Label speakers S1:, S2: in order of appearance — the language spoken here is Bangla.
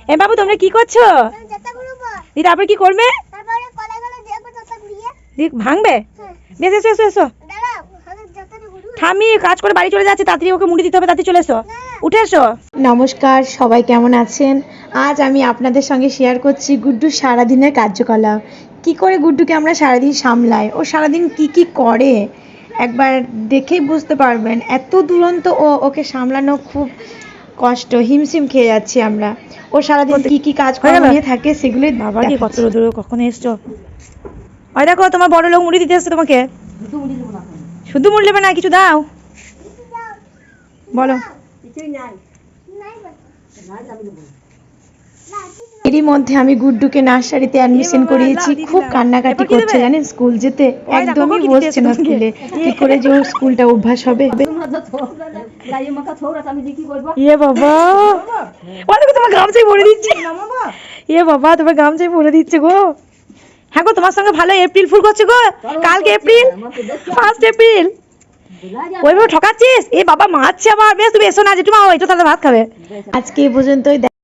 S1: এ বাবু তোমরা কি করছো? তারপর কি করবে? ভাঙবে? বেশ এসো এসো এসো। ঠামি কাজ করে বাড়ি চলে যাচ্ছে, তাড়াতাড়ি ওকে মুড়ি দিতে হবে, তাড়াতাড়ি চলে এসো, উঠে এসো। নমস্কার, সবাই কেমন আছেন? আজ আমি আপনাদের সঙ্গে শেয়ার করছি গুড্ডুর সারাদিনের কার্যকলাপ। কি করে গুড্ডুকে আমরা সারাদিন সামলাই, ও সারাদিন কি করে একবার দেখেই বুঝতে পারবেন। এত দুরন্ত ওকে সামলানো খুব কষ্ট, হিমশিম খেয়ে যাচ্ছি আমরা। ও সারাদিন কি কাজ কর্ম নিয়ে থাকে সেগুলোই। বাবা কি কত দূরে কখন এসছো? ওই দেখো তোমার বড় লোক মুড়ি দিতে এসছে তোমাকে। শুধু মুড়ি নেবে না, কিছু দাও, বলো। এরই মধ্যে আমি গুড্ডুকে নার্সারিতে অ্যাডমিশন করিয়েছি। খুব কান্নাকাটি করছে জানেন, স্কুল যেতে একদমই বসছে না স্কুলে। কি করে যে ওর স্কুলটা অভ্যাস হবে। ইয়ে বাবা, তোমার গামছাই ভরে দিচ্ছে। ইয়ে বাবা, তোমার গামছাই ভরে দিচ্ছে গো। হ্যাঁ গো, তোমার সঙ্গে ভালো এপ্রিল ফুল করছে গো। কালকে এপ্রিল, 1 এপ্রিল। ওইভাবে ঠকাচ্ছিস? এ বাবা মারছে আবার। বেশ তুমি এসো না, জেঠুমা, একটু তাহলে ভাত খাবে। আজকে এই পর্যন্তই।